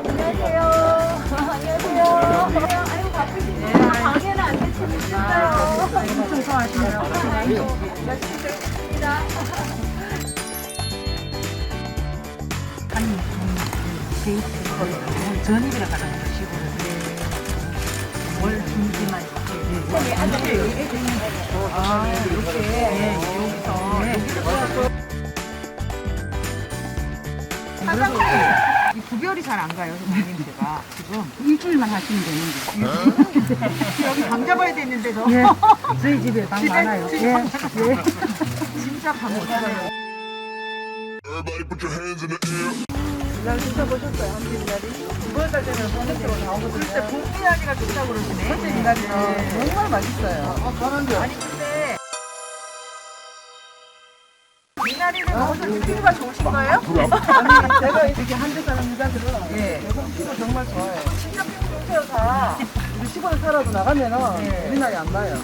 안녕하세요. 안녕하세요. 아이고 바쁘시네요. 방해는 안 되시겠어요. 엄청 좋아하시네요. 열심히 들겠습니다. 한 데이트 전입이라 가는 거 시골은 월 중지만 여기 앉으세요. 여기 애들 있는 거. 아 이렇게 여기서 사장님 이 구별이 잘 안 가요 선생님 제가 지금 일주일만 하시면 되는데 여기 방 잡아야 되는데도 예. 저희 집에 방 많아요 예. 예. 진짜 방 없어요. Everybody put your hands in the air. 날 드셔보셨어요? 한미나리 9월달 되면 본격적으로 나오거든요. 글쎄 봄미나리가 좋다고 그러시네. 그때 미나리는 정말 맛있어요. 아니 근데 미나리를 먹어서 피부가 좋으신 거예요? 아니 제가 이렇게 한대 사람이자들은 피부 정말 좋아요. 진짜 피부 좋대요 다. 우리 시골에 살아도 나가면은 미나리 안 나요.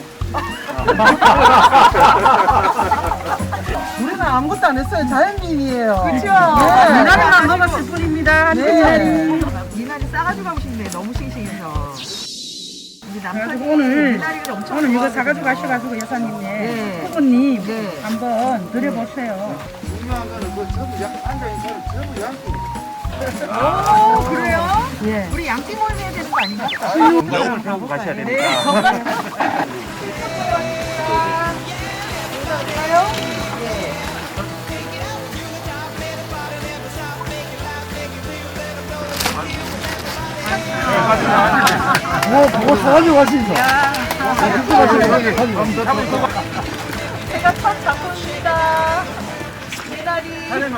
우리는 아무것도 안 했어요. 자연민이에요. 그렇죠. 네. 미나리만 먹었을 뿐입니다. 네. 미나리 싸가지고 가고 싶네. 너무 싱싱해서. 우리 남편이 미나리를 엄청 오늘 이거 좋아하거든요. 사가지고 가셔가지고 여사님네 네. 후보님 네. 한번 드려보세요. 중요한 거는 그 전부 앉아있는 사람 전부 양쪽. 오, 그래요? 예. 우리 양띠 모임 해야 되는 거 아닌가? 건강을 세우고 가셔야 네, 됩니다. 건강. 감사합니다. 예. 뭐 사가지고 가시죠. 제가 첫 작품입니다. 미나리.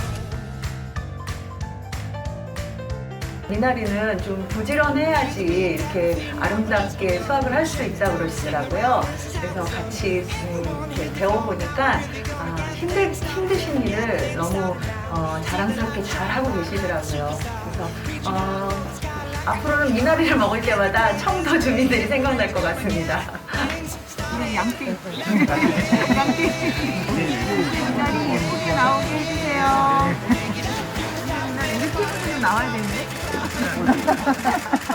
미나리는 좀 부지런해야지 이렇게 아름답게 수확을 할 수 있다고 그러시더라고요. 그래서 같이 이렇게 배워보니까 힘드신 일을 너무 자랑스럽게 잘 하고 계시더라고요. 그래서 앞으로는 미나리를 먹을 때마다 청도 주민들이 생각날 것 같습니다. 양띠. 양띠. 미나리 예쁘게 나오게 해주세요. 미나리 이렇게 좀 나와야 되는데.